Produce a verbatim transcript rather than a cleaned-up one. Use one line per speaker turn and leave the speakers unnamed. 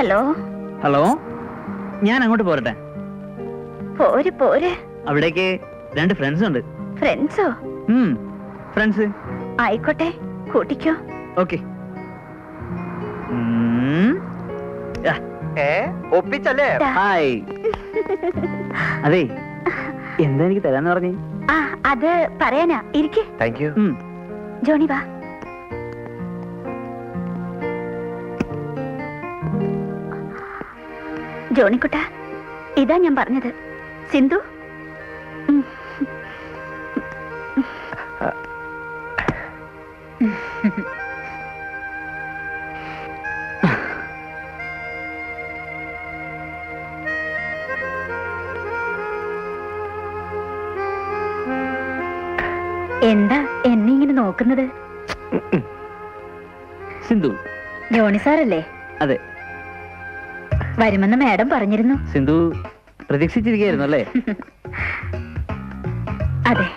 Hello
hello, ഞാൻ അങ്ങോട്ട് പോരട്ടെ?
പോര് പോര്.
അവിടേക്ക് രണ്ട് ഫ്രണ്ട്സ് ഉണ്ട്.
ഫ്രണ്ട്സോ?
ഫ്രണ്ട്സ്.
ആയിക്കോട്ടെ, കൂട്ടിക്കോ.
ഓക്കെ.
ഒപ്പിച്ചല്ലേ?
ഹായ്. അതെ, എന്താ എനിക്ക് തരാന്ന് പറഞ്ഞേ?
ആ, അത് പറയാനാ. ഇരിക്ക്.
Thank you.
ജോണി വാ. ജോണിക്കുട്ട, ഇതാ ഞാൻ പറഞ്ഞത്. സിന്ധു, എന്താ എന്നെ ഇങ്ങനെ നോക്കുന്നത്?
സിന്ധു.
ജോണി സാറല്ലേ?
അതെ.
വരുമെന്ന് മാഡം പറഞ്ഞിരുന്നു.
സിന്ധു പ്രതീക്ഷിച്ചിരിക്കുകയായിരുന്നു അല്ലേ?
അതെ.